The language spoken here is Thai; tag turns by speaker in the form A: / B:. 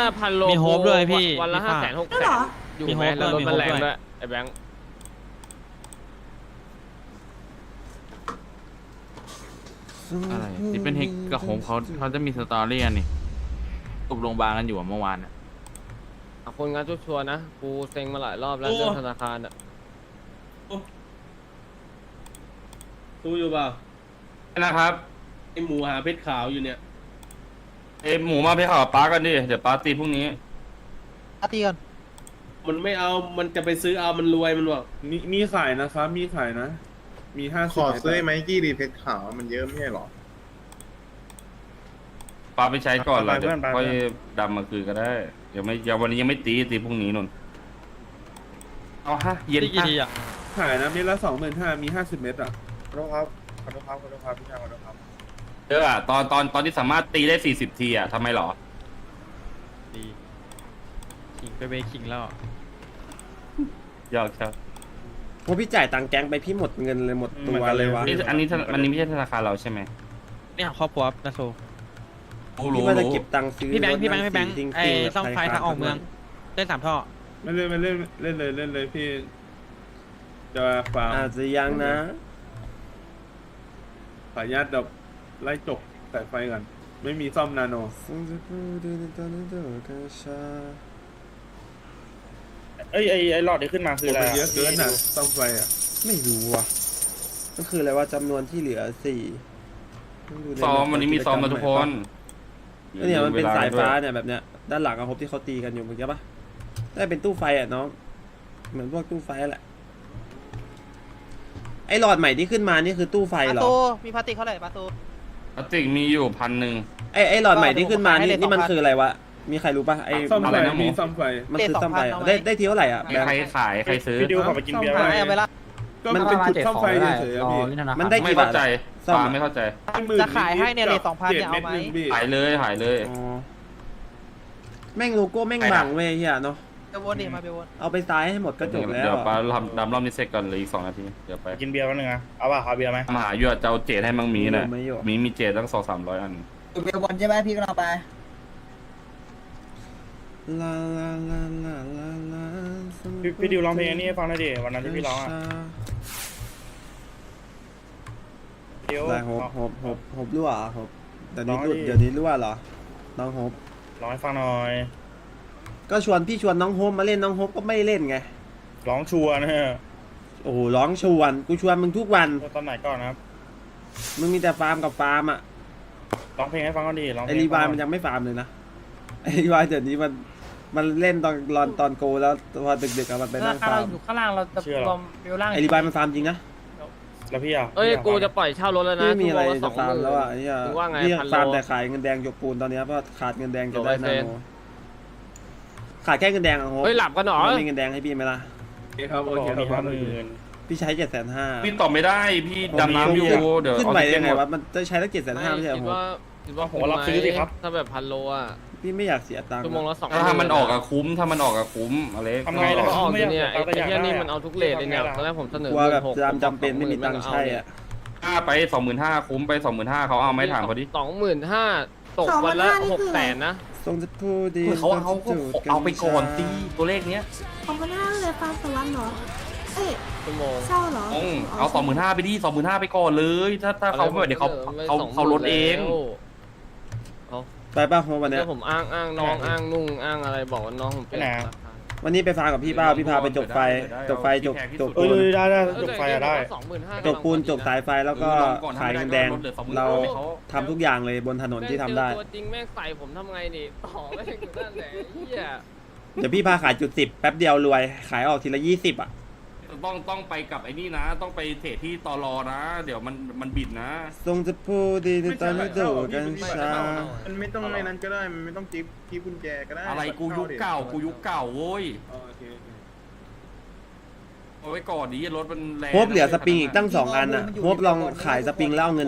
A: พันโล
B: มีโฮปด้วยพี่
A: วันละ
B: พี่
A: 500,000
B: ฟ้า
A: 600,000อยู่ไหมแล้วรถมันแรงด้วยไอ้แบงค์
C: อะไรที่เป็นเฮกกับโฮมเขาจะมีสตอรี่กันนี่ตกโรงพยาบาลกันอยู่อะเมื่อวานอะ
A: คนงานชัวร์ๆนะกูเซ็งมาหลายรอบแล้วเรื่องธนาคารอ่ะ
D: ดูอยู่เปล่า
E: นะครับ
D: ไอหมูหาเพชรขาวอยู่เนี่ย
E: เอ้หมูมาไปข่าวป้ากันดิเดี๋ยวป้าตีพรุ่งนี้
B: ตีกัน
D: มันไม่เอามันจะไปซื้อเอามันรวยมันบอก
F: มีขายนะครับมีขายนะ มี50
G: ขอซื้อไมกี้ดีเพชรขาวมันเยอะไม่ใช่หรอ
E: ป้าไปใช้ก่อนเลย
F: ไปเพื่
E: เดี๋ย
F: อน
E: ว
F: ไป
E: ค่อย
F: เพื่อน
E: ดำมาคืนก็ได้ยังวันนี้ยังไม่ตีพรุ่งนี้นนเอาฮะเย็น
B: ตีกี่
E: ฮะ
B: ทีอ่ะ
F: ขายนะเม็ดละ25,000มี50 เม็ดอ่ะขอโทษครับขอโทษครับขอโทษครับพี่ชายขอโทษครับ
E: เอออะตอนที่สามารถตีได้40 ทีอะทำไมหรอ
B: ดีขิงไปเบคิงแล้ว
E: ยากครับ
H: พอพี่จ่ายตังค์แก๊งไปพี่หมดเงินเลยหมดตัวเลยวะ
E: อันนี้ไม่ใช่ธนาคารเราใช่ไหม
B: เนี่ยครอบครัวนาโซ
H: พี่ว่าจะเก็บตังค์ซื้อ
B: พี่แบงค์พี่แบงค์
H: รถ
B: พี่แบงค์
H: จริๆ
B: ไอ้
H: แบบ
B: ซ่อมไฟทางออกเมืองเล่น3 ท่อ
F: ไม่เล่นไม่เล่นเล่นเลยพี่จะฟาร์ม
H: อาจจะยังนะ
F: ขออนุญาตแบบไล่จกสายไฟก่อนไม่มีซ่อมนาโน
G: ไอหลอดที่ขึ้นมาคืออะไร
F: เยอะเกินนะซ่อมไฟอ่ะ
H: ไม่รู้ว่ะก็คืออะไรว่าจำนวนที่เหลือ4
E: ซ้อมวันนี้มีซ้อมมาทุกคน
H: เนี่ยมันเป็นสายฟ้าเนี่ยแบบเนี้ยด้านหลังอะพบที่เขาตีกันอยู่เมื่อกี้ปะได้เป็นตู้ไฟอ่ะน้องเหมือนพวกตู้ไฟแหละไอหลอดใหม่ที่ขึ้นมานี่คือตู้ไฟเหรอ
B: มีพลาสติกเท่าไหร่ปาตู
E: พลาสติกมีอยู่1,000
H: ไอหลอดใหม่ที่ขึ้นมานี่มันคืออะไรวะมีใครรู้ปะไอ
F: ซ่อม
E: อะ
F: ไฟ
E: ไรนะหมู
F: มีซ่อมไฟ
H: มันคือซ่อมไฟอะได้ทีเท่าไหร่อ่ะ
E: มีใครขายใครซื้อ
G: พี่ดิวขอไปกินเบียร์
F: ซ่อมไฟ
G: ไว้
F: ก็มันเป็นจุดซ่อมไฟเฉยๆอะพี่
H: มันได้
E: ไม่
H: กี่บา
E: เข้า
H: ท
E: ใจ
H: ซ่อม
E: ป้าไม่เข้าใจ
B: จะขายให้เนี่ยเลย2,000เนี่ยเอาไหม
E: ขายเลย
H: อ๋อแม่งโลโก้แม่งบังเว้ยเฮียเนาะ
B: ไปวนดิมาไปวน
H: เอาไปซ้ายให้หมดก็จบแล้ว
E: เดี๋ยวป้าดำรอบนี้เสร็จก่อนเลยอีก2 นาทีเดี๋ยวไป
G: กินเบียร์แป๊บนึงนะเอาป่ะเอาเบียร์ไหม
E: มาหาอยู่อะเจ้าเจดให้มังมีน่ะ
H: ไม่อยู่
E: มีเจดตั้ง200-300 อัน
B: เบลบอลใช่ไหมพี่ก็เอาไป
H: ลาลาลาลาลาลา
G: พี่ดิวร้องเพลงอันนี้ให้ฟังหน่อยดิวันนั้นที่พี่ร้องอ่ะเดี๋ยว
H: ได้หบรั่วเหรอหบเดี๋ยวนี้
G: ร้องดิ
H: เดี๋ยวนี้รั่วเหรอน้องหบ
G: ร้องให้ฟังหน่อย
H: ก็พี่ชวนน้องโฮมมาเล่นน้องโฮมก็ไม่เล่นไง
G: ร้องชัวร์นะฮะ
H: โอ้โหร้องชวนกูชวนมึงทุกวัน
G: ตอนไหนก่อนนะครับ
H: มึงมีแต่ฟาร์มกับฟาร์มอ่ะ
G: ร้องเพลงให้ฟังก่อนดิร้องเพ
H: ไอ
G: ลง
H: รีวายมันยังไม่ฟาร์มเลยนะไอรีวายเดี๋ยวนี้มันเล่นตอนโกแล้วพอดึกๆอะมันไปนั่งฟาร์ม
B: อยู่ข้างล่างเราจะรวมเบลล่าง
H: ไอรีวายมันฟาร์มจริงนะ
G: แล้วพี่อ่ะ
A: เอ้ยกูจะปล่อยเช่ารถแล้วนะ
H: ไม่มีอะไร
A: ชั่
H: จะ
A: วโง
H: ฟาร์ม
A: ละ
H: แล้วอ่ะไอ้เหี้ย
A: มึงว่าไง
H: พี่
A: พันโล
H: ฟาร์มแต่ขายเงินแดงหยกปูนตอนเนี้ยเพราะขาดเงินแดงจะได้
A: โล
H: นา
A: เปอร์เซ็น
H: โน
A: ต์
H: ขาดแค่เงินแดงอะโฮม
A: เฮ้ยหลับกันเหรอ
H: มันมีเงินแดงให้พี่ไหมล่ะ
F: โอเคครับโอ
G: บอก
F: เคค
G: มี
F: รับ
G: 50,000
H: พี่ใช้750,000
E: พี่ตอบไม่ได้พี่ดำน้ำอยู่เดี๋ยว
H: ขึ้น
E: เอา
H: ไป
E: ไป
H: ยังไง
E: หมด
H: วะมันจะใช้ตั้ง750,000ไม่ใช่เหรอ
A: คิด
H: โฮม
A: ว่าคิดว่า
G: ผมว่ารับซื้อสิครับ
A: ถ้าแบบพันโลอ่ะ
H: พี่ไม่อยากเสียตังค์
A: ชั่วโมงละ2
E: ถ้ามันออกอะคุ้มถ้ามันออกอะคุ้มอะไร
G: ทำไงล่ะ
A: ก็ออก
G: ไม่
A: อ
G: อยาก
A: ยู่เนี่ยไอ้
G: แต่อยาก
A: เหี้ยนี่
G: ได้
A: มันเอาทุกเลทเลยเนี่ยตอนแรกผมเสนอก
H: ลัวแบบ
A: 16,000
H: จำเป็นไม่มีตังค์ใช้อ่ะ
E: ถ้าไป25,000คุ้มไป25,000เขาเอาไหม่ถามเขาดิ
A: 25,000ตกวันละ600,000นะ
H: ทรงจะพูดดี
E: เขาเอาไปก่อนตีตัวเลขเนี้ย
I: 2,500เลยฟาร์มสวรรค์เหรอ เอ้ย
A: ชั่วโมง
I: เช่าเหรอ
E: เอา25,000ไปดิ25,000ไปก่อนเลย ถ้าเขาไม่เดี๋ยวเขาลดเอง
H: ไปป่ะโฮมวันเนี้
A: แล้
H: ย
A: วผมอ้างน้องอ้างนุ่งอ้างอะไรบอกว่าน้องผมเป็น
G: ไปไหน
H: วันนี้ไปฟาร์มกับพี่เป้าพี่พาไปจบไฟจบ
G: เอ
H: ปูน
G: อได้จบไฟอะได้
H: จบปูนจบสายไฟแล้วก็ขายเงินแดงเราทำทุกอย่างเลยบนถนนที่ทำได้
A: ตัวจริงแม่งใส่ผมทำไงนี่ต่อแม่งอยู่นั่นแหละเฮีย
H: เดี๋ยวพี่พาขายจุด10แป๊บเดียวรวยขายออกทีละ20อ่ะ
E: ต้องไปกับไอ้นี่นะ ต้องไปเทรดที่ตลอนะ เดี๋ยวมันบิดนะ
H: ทรงจะพูดดีในตอนนี้ดูกันช้า
F: มันไม่ต้องในนั้นก็ได้มันไม่ต้องจิ๊บกุญแจก็ได้
E: อะไรกูยุคเก่าโว้ย
F: โอเค
E: เอาไว้ก่อนดิรถมันแรง
H: โฮปเหลือสปริงอีกตั้ง2 อันอ่ะโฮปลองขายสปริงแล้วเอาเงิน